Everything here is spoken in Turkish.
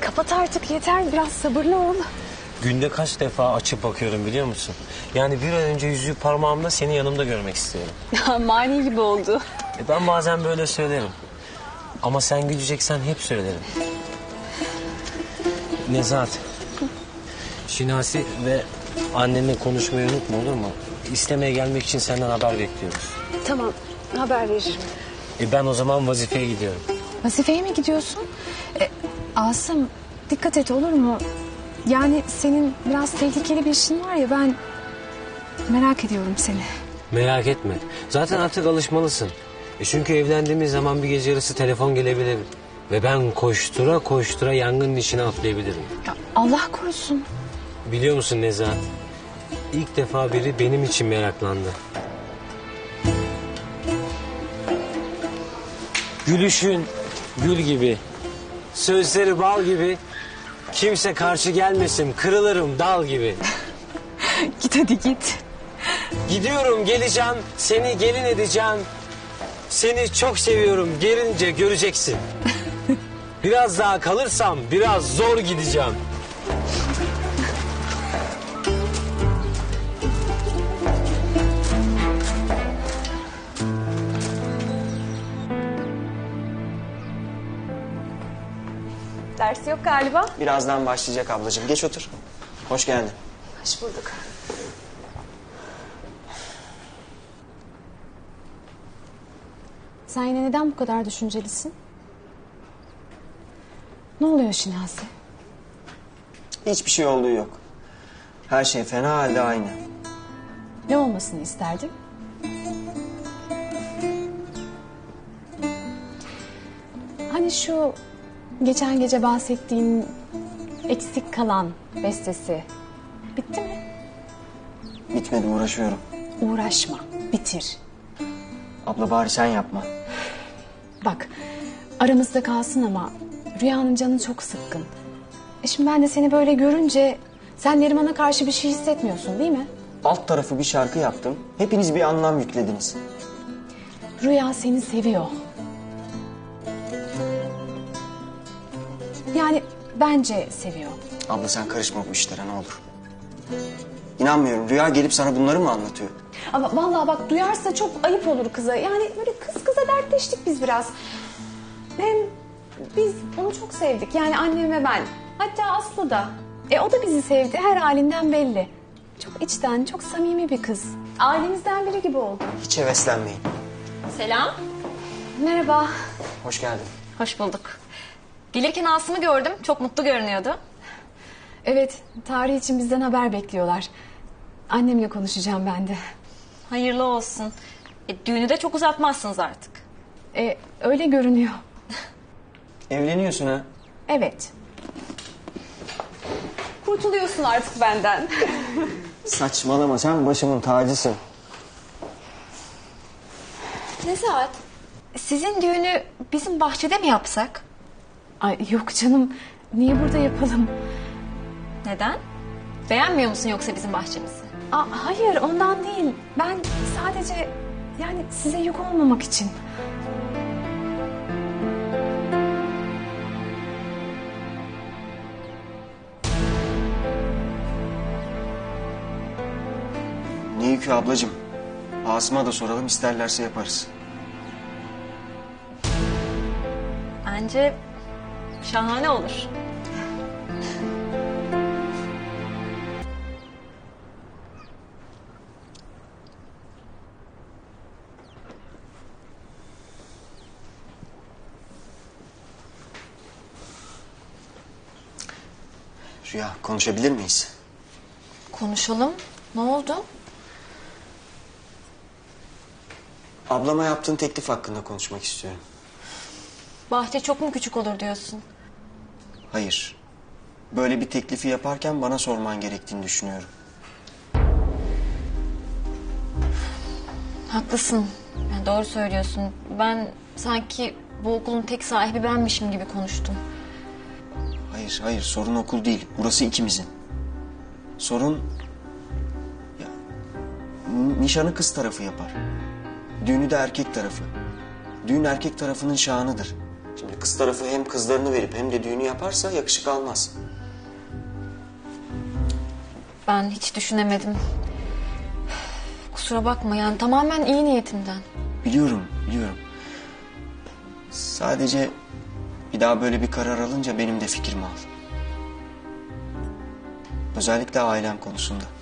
kapat artık yeter, biraz sabırlı ol. Günde kaç defa açıp bakıyorum biliyor musun? Yani bir an önce yüzüğü parmağımda seni yanımda görmek istiyorum. Mani gibi oldu. Ben bazen böyle söylerim. Ama sen güleceksen hep söylerim. Nezahat. Şinasi ve annenle konuşmayı unutma, olur mu? İstemeye gelmek için senden haber bekliyoruz. Tamam, haber veririm. Ben o zaman vazifeye gidiyorum. Vazifeye mi gidiyorsun? Asım, dikkat et olur mu? Yani senin biraz tehlikeli bir işin var ya, ben merak ediyorum seni. Merak etme. Zaten artık alışmalısın. Çünkü evlendiğimiz zaman bir gece yarısı telefon gelebilir. Ve ben koştura koştura yangının içine atlayabilirim. Ya Allah korusun. Biliyor musun Nezahat? İlk defa biri benim için meraklandı. Gülüşün gül gibi, sözleri bal gibi, kimse karşı gelmesin, kırılırım dal gibi. Git hadi git. Gidiyorum, geleceğim, seni gelin edeceğim. Seni çok seviyorum, gelince göreceksin. Biraz daha kalırsam biraz zor gideceğim. Dersi yok galiba. Birazdan başlayacak ablacığım. Geç otur. Hoş geldin. Hoş bulduk. Sen yine neden bu kadar düşüncelisin? Ne oluyor Şinasi? Hiçbir şey olduğu yok. Her şey fena halde aynı. Ne olmasını isterdin? Hani şu geçen gece bahsettiğin eksik kalan bestesi bitti mi? Bitmedi, uğraşıyorum. Uğraşma, bitir. Abla bari sen yapma. Bak, aramızda kalsın ama Rüya'nın canı çok sıkkın. Şimdi ben de seni böyle görünce sen Neriman'a karşı bir şey hissetmiyorsun değil mi? Alt tarafı bir şarkı yaptım. Hepiniz bir anlam yüklediniz. Rüya seni seviyor. Yani bence seviyor. Abla sen karışma bu işlere ne olur. İnanmıyorum. Rüya gelip sana bunları mı anlatıyor? Ama vallahi bak, duyarsa çok ayıp olur kıza. Yani böyle kız kıza dertleştik biz biraz. Hem biz onu çok sevdik. Yani annem ve ben. Hatta Aslı da. O da bizi sevdi. Her halinden belli. Çok içten, çok samimi bir kız. Ailemizden biri gibi oldu. Hiç heveslenmeyin. Selam. Merhaba. Hoş geldin. Hoş bulduk. Gelirken Asım'ı gördüm. Çok mutlu görünüyordu. Evet, tarih için bizden haber bekliyorlar. Annemle konuşacağım ben de. Hayırlı olsun. Düğünü de çok uzatmazsınız artık. Öyle görünüyor. Evleniyorsun ha? Evet. Kurtuluyorsun artık benden. Saçmalama, sen başımın tacısın. Nezahat, sizin düğünü bizim bahçede mi yapsak? Ay yok canım. Niye burada yapalım? Neden? Beğenmiyor musun yoksa bizim bahçemizi? Hayır, ondan değil. Ben sadece yani size yük olmamak için. Ne yükü ablacığım? Asım'a da soralım, isterlerse yaparız. Bence şahane olur. Rüya, konuşabilir miyiz? Konuşalım. Ne oldu? Ablama yaptığın teklif hakkında konuşmak istiyorum. Bahçe çok mu küçük olur diyorsun? Hayır. Böyle bir teklifi yaparken bana sorman gerektiğini düşünüyorum. Haklısın. Yani doğru söylüyorsun. Ben sanki bu okulun tek sahibi benmişim gibi konuştum. Hayır, hayır. Sorun okul değil. Burası ikimizin. Sorun... Ya, nişanı kız tarafı yapar. Düğünü de erkek tarafı. Düğün erkek tarafının şanıdır. Şimdi kız tarafı hem kızlarını verip hem de düğünü yaparsa yakışık almaz. Ben hiç düşünemedim. Kusura bakma yani tamamen iyi niyetimden. Biliyorum, biliyorum. Sadece bir daha böyle bir karar alınca benim de fikrimi al. Özellikle ailem konusunda.